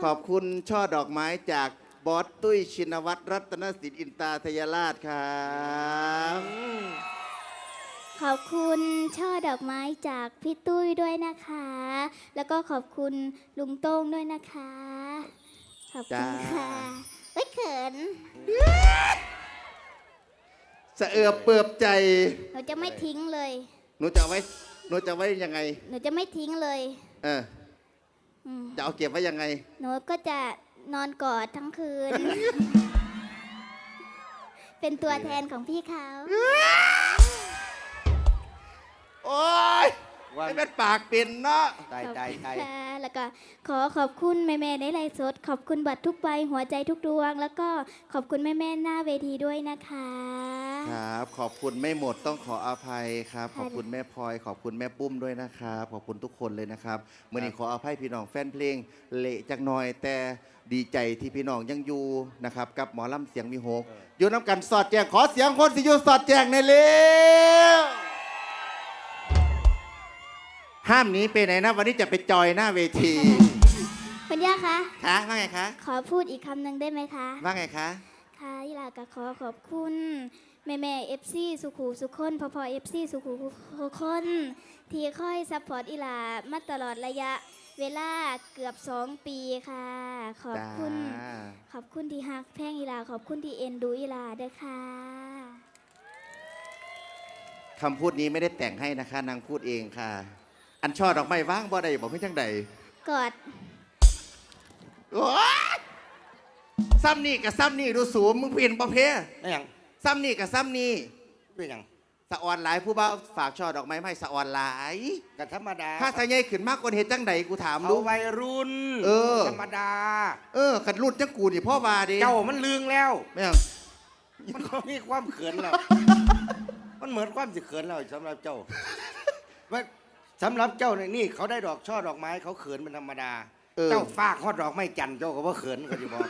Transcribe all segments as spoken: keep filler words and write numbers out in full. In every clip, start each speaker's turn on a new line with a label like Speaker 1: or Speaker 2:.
Speaker 1: อบคุณช่อดอกไม้จากบอสตุ้ยชินวัตรรัตนสินอินตาทยราชครับ
Speaker 2: ขอบคุณช่อดอกไม้จากพี่ตุ้ยด้วยนะคะ แล้วก็ขอบคุณลุงโต้งด้วยนะคะขอบคุณค่ะไม่เขิน
Speaker 1: สะเอือบเปือบใจ
Speaker 2: หนูจะไม่ทิ้งเลย
Speaker 1: หนูจะไว้หนูจะไว้ยังไง
Speaker 2: หนูจะไม่ทิ้งเลย
Speaker 1: เออจะเอาเก็บไว้ยังไง
Speaker 2: หนูก็จะนอนกอดทั้งคืน เป็นตัวแทนของพี่เขา
Speaker 1: โอ๊ยไม่เป็นปากเป็นเนาะ
Speaker 2: ตายตายตายแล้วก็ขอขอบคุณแม่แม่ในไลฟ์สดขอบคุณบัตรทุกใบหัวใจทุกดวงแล้วก็ขอบคุณแม่แม่หน้าเวทีด้วยนะคะ
Speaker 1: ครับขอบคุณไม่หมดต้องขออภัยครับขอบคุณแม่พลอยขอบคุณแม่ปุ้มด้วยนะครับขอบคุณทุกคนเลยนะครับเมื่อนี้ขออภัยพี่น้องแฟนเพลงเละจักหน่อยแต่ดีใจที่พี่น้องยังอยู่นะครับกับหมอลำเสียงมีโฮกอยู่น้ำกันสอดแจงขอเสียงคนสิอยู่สอดแจงในเร็วห้ามหนีไปไหนนะวันนี้จะไปจอยหน้าเวที
Speaker 2: คุณย่าคะ
Speaker 1: คะว่าไงคะ
Speaker 2: ขอพูดอีกคำหนึ่งได้ไหมคะ
Speaker 1: ว่าไงคะ
Speaker 2: ค่ะยิลาก็ขอขอบคุณแม่แม่เอฟซีสุขูสุขคนพอพอเอฟซีสุขูสุขคนที่ค่อยซัพพอร์ตอีลามาตลอดระยะเวลาเกือบสองปีค่ะขอบคุณขอบคุณที่ฮักแพงอีลาขอบคุณที่เอ็นดูอีลาด้วยค่ะ
Speaker 1: คำพูดนี้ไม่ได้แต่งให้นะคะนางพูดเองค่ะอันช่อดอกไม้ว่างบ่ได้บอกให้จังใด
Speaker 2: กอด
Speaker 1: โอ้ยซ้ำนี่กับซ้ำนี่ดูสูงมึงเปลี่ยนประเภท
Speaker 3: ไม่ยัง
Speaker 1: ซ้ำนี่กับซ้ำนี่
Speaker 3: เป็นยัง
Speaker 1: สะออนหลายผู้บ่าวฝากช่อดอกไม้ให้สะออนหลาย
Speaker 3: กับธรรมดา
Speaker 1: ถ้าทะเยยขึ้นมากกว่าเหตุจังใดกูถาม
Speaker 3: รู้วัยรุ่น
Speaker 1: เออ
Speaker 3: ธรรมดา
Speaker 1: เออขัดรุ่นจังกูนี่พ่อวาดิ
Speaker 3: เจ้ามันลืงแล้ว
Speaker 1: ไม่ยัง
Speaker 3: มันก็มีความเขินแล้วมันเหมือนความสิเขินแล้วสำหรับเจ้าว่าสำหรับเจ้าเนี่ยนี่เขาได้ดอกช่อดอกไม้เขาเขินเป็นธรรมดาเจ้าฟากฮอดดอกไม้จันเจ้าก็ว่าเขินก็จะบอก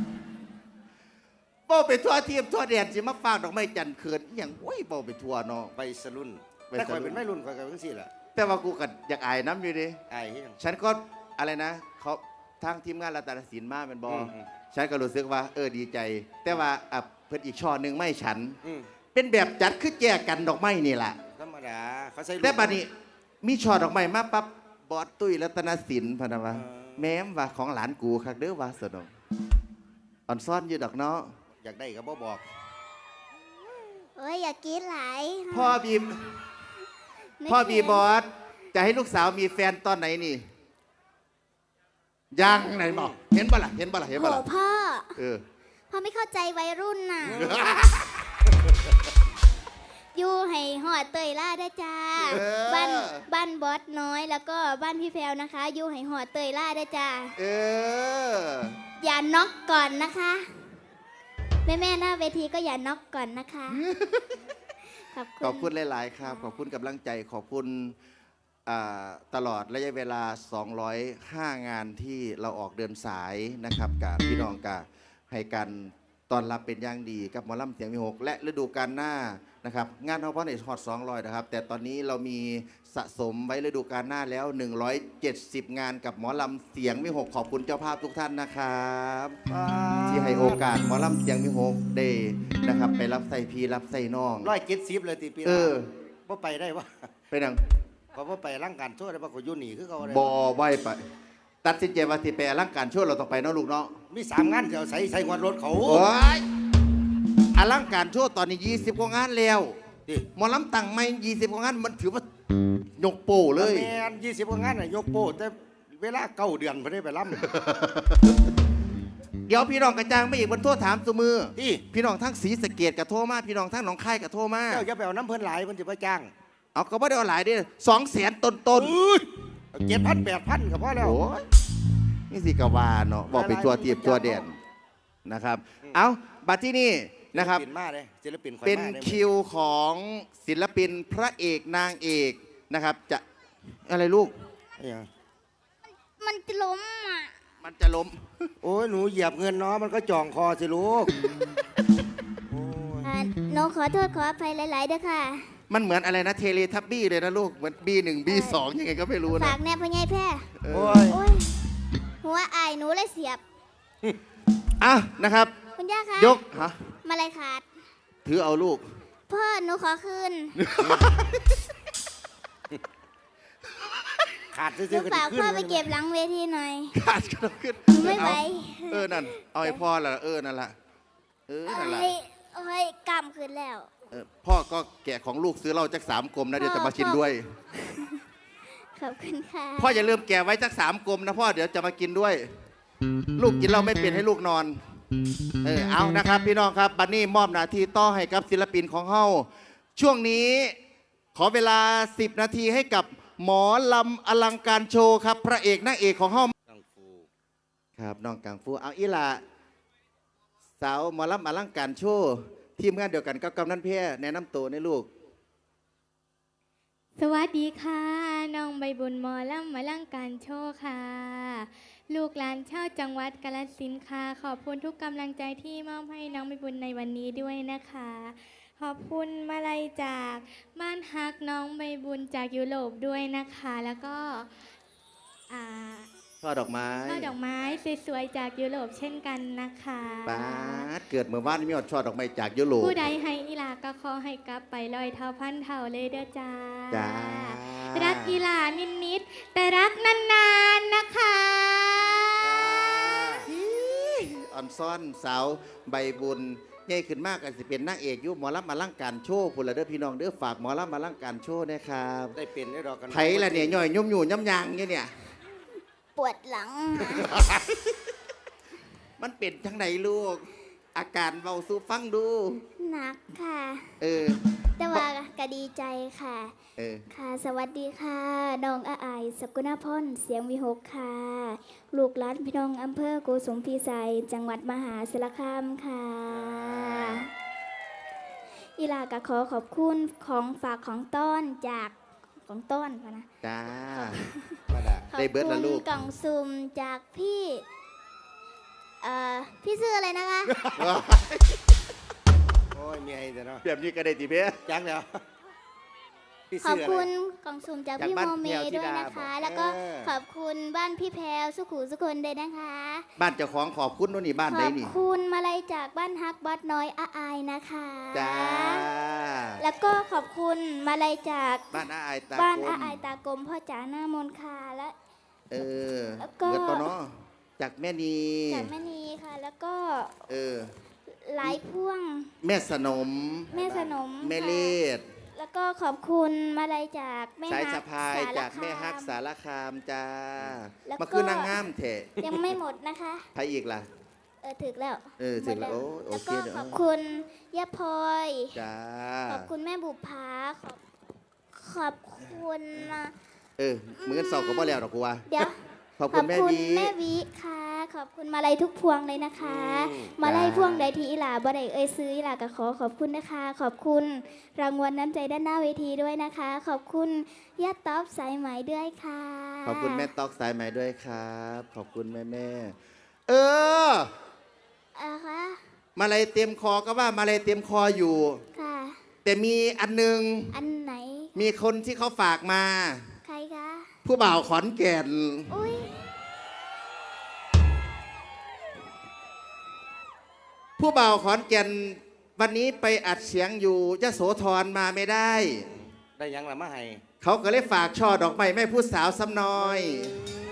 Speaker 1: เป้าไปทั่วเทียมทั่วแดนสิมาฝากดอกไม้จันเขินอย่างโอ้ยเป้าไปทั่วเนาะ
Speaker 3: ไปสรุ่นแต่คอยเป็นไม่รุ่นคอยกันทั้งสี่แหละ
Speaker 1: แต่ว่ากูกัดอยากอายน้ำอยู่ดิ
Speaker 3: อาย
Speaker 1: ฉันก็อะไรนะเขาทางทีมงานรัตนศิลป์มาเป็นบอฉันก็รู้สึกว่าเออดีใจแต่ว่าอ่ะเพิ่นอีกช่อหนึ่งไม่ฉันเป็นแบบจัดคือแจกกันดอกไม้นี่แหละ
Speaker 3: ธรรมดาเขาใส่
Speaker 1: แต่บัดนี้มีช่อดอกไม้มาปั๊บบอสตุ้ยรัตนศิลป์พะนะวะแม้มว่าของหลานกูคักเด้อว่าสนองอ่อนซ่อนอยู่ดอกเนาะ
Speaker 3: อยากได้ก็บ่บอก
Speaker 2: โอ้ยอยากกินหลาย
Speaker 1: พ่อบีมพ่อบีบอสจะให้ลูกสาวมีแฟนตอนไหนนี่ยังไหนบอกเห็นบ่ล่ะเห็นบ่ล่ะเห็นบ่ล่ะ
Speaker 2: โอ้พ่อ
Speaker 1: เออ
Speaker 2: พ่อไม่เข้าใจวัยรุ่นน่ะอยู่ให้หอดเตยล่าได้จ้าบ้านบ้านบอสน้อยแล้วก็บ้านพี่แพรวนะคะอยู่ให้หอดเตยล่าได้จ้า
Speaker 1: เออ
Speaker 2: อย่าน็อกก่อนนะคะแม่แม่หน้าเวทีก็อย่าน็อกก่อนนะคะ
Speaker 1: ขอบคุณขอบคุณหลายๆครับขอบคุณกำลังใจขอบคุณตลอดระยะเวลาสองร้อยห้างานที่เราออกเดินสายนะครับกับพี่น้องกับให้กันตอนรับเป็นอย่างดีกับหมอลำเสียงมีหกและฤดูกาลหน้านะครับงานเราเพราะในฮอตสองร้อยนะครับแต่ตอนนี้เรามีสะสมไว้ฤดูกาลหน้าแล้วหนึ่งร้อยเจ็ดสิบงานกับหมอลำเสียงมีหกขอบคุณเจ้าภาพทุกท่านนะครับที่ให้โอกาสหมอลำเสียงมีหกได้นะครับไปรับใส่พีรับใส่น้อง
Speaker 3: ร้อยเจ็ดสิบเลยตีปี
Speaker 1: เออ
Speaker 3: ว่าไปได้วะ
Speaker 1: ไปนัง
Speaker 3: เพราะว่าไปร่างการช่วยได้ปะขยุนีคือเขาอะไร
Speaker 1: บ่ไหวไปตัดสินใจว่าที่ไปร่างการช่วยเราต้องไปเนาะลูกเนาะ
Speaker 3: มีสามงานเดี๋ยวใส่ใส่หัวรถเขา
Speaker 1: โอ้ยอลังการช่วยตอนนี้ยี่สิบกว่างานแล้วหมอลำตั้งไม่ยี่สิบกว่างานมันถือว่ายกโป้เลย
Speaker 3: แมนยี่สิบกว่างานน่ะยกโป้แต่เวลาเก้าเดือนพอได้ไปล่
Speaker 1: ำเดี๋ยวพี่น้องกระจางไม่อีกบนโทษถามสมือ
Speaker 3: ที่
Speaker 1: พี่น้องทั้งศรีสะเกษกับโทมาพี่น้องทั้งหนองคายกับโทมา
Speaker 3: เจ้าจะไปเอาน้ำเพลินหลายมันจะไปจ้าง
Speaker 1: เอาก็ไม่ได้เอาหลายดิสองแสนต้นต้น
Speaker 3: เจ็ดพันแปดพันกับพ่อแล้ว
Speaker 1: นี่สิกวาเนาะบอกเป็นตัวเตียบตัวเด่นนะครับเอาบัดที่นี่นะครับเป็นคิวของศิลปินพระเอกนางเอกนะครับจะอะไรลูก
Speaker 2: มันจะล้มอ่ะ
Speaker 1: มันจะล้ม
Speaker 3: โอ้ยหนูเหยียบเงินเนาะมันก็จ่องคอสิลูก
Speaker 2: หนูขอโทษขออภัยหลายๆด้วยค่ะ
Speaker 1: มันเหมือนอะไรนะเทเลทับบี้เลยนะลูกเหมือนบีหนึ่งบีสองยังไงก็ไม่รู้นะ
Speaker 2: ฝากแนบพญายแพร่
Speaker 3: โอ้ย
Speaker 2: หัวอายหนูเลยเสียบ
Speaker 1: อ่ะนะครับ
Speaker 2: คุณย่าคะ
Speaker 1: ยกฮะ
Speaker 2: มาเลยขาด
Speaker 1: ถือเอาลูก
Speaker 2: พ่อหนูขอคืน
Speaker 3: ขาด
Speaker 2: ห
Speaker 3: ซื้
Speaker 2: นู
Speaker 3: อๆกัน
Speaker 2: ฝาก
Speaker 3: ขึ้น
Speaker 2: พ่อไปเก็บหลังเวทีหน่อย
Speaker 1: ขาดก็ต้องขึ้น
Speaker 2: หนูไม่ไหว
Speaker 1: เอาเออนั่นเอาไอ้พ่อละเออนั่นละเออนั่นละ
Speaker 2: เอ้ยเอ้ยกำคืนแล้ว
Speaker 1: เออพ่อก็แกะของลูกซื้อเหล้าจักสามกลมนะเดี๋ยวจะมากินด้วย
Speaker 2: ขอบคุณค่ะ
Speaker 1: พ่ออย่าลืมแกะไว้จักสามกลมนะพ่อเดี๋ยวจะมากินด้วย ลูกกินเหล้าไม่เป็นให้ลูกนอนเออเอานะครับ พี่น้องครับบันนี่มอบหน้าที่ต่อให้กับศิลปินของเฮาช่วงนี้ขอเวลาสิบนาทีให้กับหมอลำอลังการโชว์ครับ พระเอกนางเอกของเฮา
Speaker 3: กังฟู
Speaker 1: ครับน้องกังฟูเอาอีหละสาวหมอลำอลังการโชว์ทีมงานเดียวกันกับกำนันเพียแนะนำตัวในลูก
Speaker 4: สวัสดีค่ะ น้องใบบุญหมอลำมาลังการโชว์ค่ะ ลูกหลานชาวจังหวัดกาฬสินธุ์ค่ะ ขอบคุณทุกกำลังใจที่มอบให้น้องใบบุญในวันนี้ด้วยนะคะ ขอบคุณมาลัยจากบ้านฮักน้องใบบุญจากยุโรปด้วยนะคะ แล้วก็อ่า
Speaker 1: ช่อดอกไม้
Speaker 4: ช่อดอกไม้สวยๆจากยุโรปเช่นกันนะคะ
Speaker 1: ป้าดเกิดเมื่อวานนี้มีอดช่อดอกไม้จากยุโรป
Speaker 4: ผู้ใดให้อีหลาก็ขอให้กลับไปลอยเท่าพันเท่าเลยเด้อจ้า
Speaker 1: จ้า
Speaker 4: รักอีหลานิดๆแต่รักนานๆนะคะ
Speaker 1: อ่อนซ่อนสาวใบบุญใหญ่ขึ้นมากอาจจะเป็นนางเอกอยุหมอลำอลังการโชว์พุ่นละเด้อพี่น้องเด้อฝากหมอลำอลังการโชว์นะครับ
Speaker 3: ได้เป็นได้ดอกกัน
Speaker 1: ไผละเนี่ยย่อยยุ่มอยู่ย่ำยางเนี่ยเนี่ย
Speaker 2: ปวดหลัง
Speaker 1: มันเป็นทั้งไหนลูก อาการเบาสู้ฟังดู
Speaker 2: หนักค่ะ
Speaker 1: เออ
Speaker 2: แต่ว่าก็ดีใจค่ะ
Speaker 1: เออ
Speaker 2: ค่ะ สวัสดีค่ะน้องอาอายสกุณาพรเสียงวิหกค่ะ ลูกหลานพี่น้องอำเภอโกสุมพีไซจังหวัดมหาสารคามค่ะ อีลาก็ขอขอบคุณของฝากของต้อนจากของต้อนพะนะ
Speaker 1: จ้า
Speaker 3: มาดา
Speaker 2: ขอบ
Speaker 1: ได้เบิด
Speaker 2: คุ
Speaker 1: ละ
Speaker 2: ณ
Speaker 1: ลูก
Speaker 2: กล่องซุ่มจากพี่เอ่อพี่ชื่ออะไรนะคะ
Speaker 3: โอ้ยมีไอ้แต่เนาะ
Speaker 1: แบบนี้ก็ได้ติเพีย
Speaker 3: จังแล้วพี่
Speaker 2: ขอบ
Speaker 3: เสื้อ
Speaker 2: คุ
Speaker 3: อะไร
Speaker 2: ณกล่องซุ่มจาก
Speaker 1: จาก
Speaker 2: พี่
Speaker 1: บ้าน
Speaker 2: โมเม
Speaker 1: แพรวธิ
Speaker 2: ด้วย
Speaker 1: ดา
Speaker 2: นะคะ
Speaker 1: บอก
Speaker 2: แล้วก็
Speaker 3: เออ
Speaker 2: ขอบคุณบ้านพี่แพรวสุขุสุคนด้วยนะคะ
Speaker 1: บ้านเจ้าของขอบคุณโน่นนี่บ้าน
Speaker 2: ข
Speaker 1: ใด
Speaker 2: อบ
Speaker 1: นี่
Speaker 2: คุณมาลัยจากบ้านฮักบัดน้อยอาอายนะคะ
Speaker 1: จ้า
Speaker 2: แล้วก็ขอบคุณมาลัยจาก
Speaker 1: บ้านอาอายตา
Speaker 2: บ้าน
Speaker 1: ค
Speaker 2: อาม อายตากลมพ่อจ๋าหน้ามนต์ค่ะและ
Speaker 1: เออ
Speaker 2: แล้วก็
Speaker 1: เบิดปะเนาะจากแม่นี
Speaker 2: จากแม่นีค่ะ แล้วก็
Speaker 1: เออ
Speaker 2: หลายพ่วง
Speaker 1: แม่สนม
Speaker 2: แม่สนม
Speaker 1: แม่
Speaker 2: ค่ะ
Speaker 1: เลด
Speaker 2: แล้วก็ขอบคุณมาลัยจากแม่
Speaker 1: สาย
Speaker 2: ฮั
Speaker 1: สะ
Speaker 2: ก
Speaker 1: พาย
Speaker 2: สร
Speaker 1: จากแม่ฮัก
Speaker 2: ค
Speaker 1: สารคามจ้า
Speaker 2: แล้วก็
Speaker 1: มาคือนางงามเถะ
Speaker 2: ยังไม่หมดนะคะ
Speaker 1: ใครอีกล่ะ
Speaker 2: เออถึกแล้ว
Speaker 1: เออถึกแล้ว
Speaker 2: หมด
Speaker 1: โอ้โอ
Speaker 2: แล้ว
Speaker 1: เค
Speaker 2: ก็
Speaker 1: เดี๋ยว
Speaker 2: ขอบคุณย่าพลอย
Speaker 1: จ้า
Speaker 2: ขอบคุณแม่บุภาขอบขอบคุณนะ
Speaker 1: เออมือกันสอบก็บ่แล้วดอกกูว่า
Speaker 2: เดี๋ยว
Speaker 1: ขอบคุณแม่วี
Speaker 2: แม่วิค่ะ ขอบคุณมาลัยทุกพวงเลยนะคะ มาลัยพวงใดที่อีหลาบ่ได้เอ่ยซื้ออีหลาก็ขอขอบคุณนะคะ ขอบคุณรางวัลน้ำใจด้านหน้าเวทีด้วยนะคะ ขอบคุณย่าต๊อบสายไหมด้วยค่ะ
Speaker 1: ขอบคุณแม่ตอกสายใหม่ด้วยครับ ขอบคุณแม่แม่เออ
Speaker 2: อ่าคะ
Speaker 1: มาเลยเต็มคอก็ว่ามาเลยเต็มคออยู่
Speaker 2: ค่ะ
Speaker 1: แต่มีอันหนึง
Speaker 2: อันไหน
Speaker 1: มีคนที่เขาฝากมา
Speaker 2: ใครคะ
Speaker 1: ผู้บ่าวขอนแก่น
Speaker 2: อุ้ย
Speaker 1: ผู้บ่าวขอนแก่นวันนี้ไปอัดเสียงอยู่ยโสธรมาไม่ได้
Speaker 3: ได้ยังละมาให้
Speaker 1: เขาก็เลยฝากช่อดอกไม้แม่ผู้สาวซ้ำน้อย
Speaker 3: อื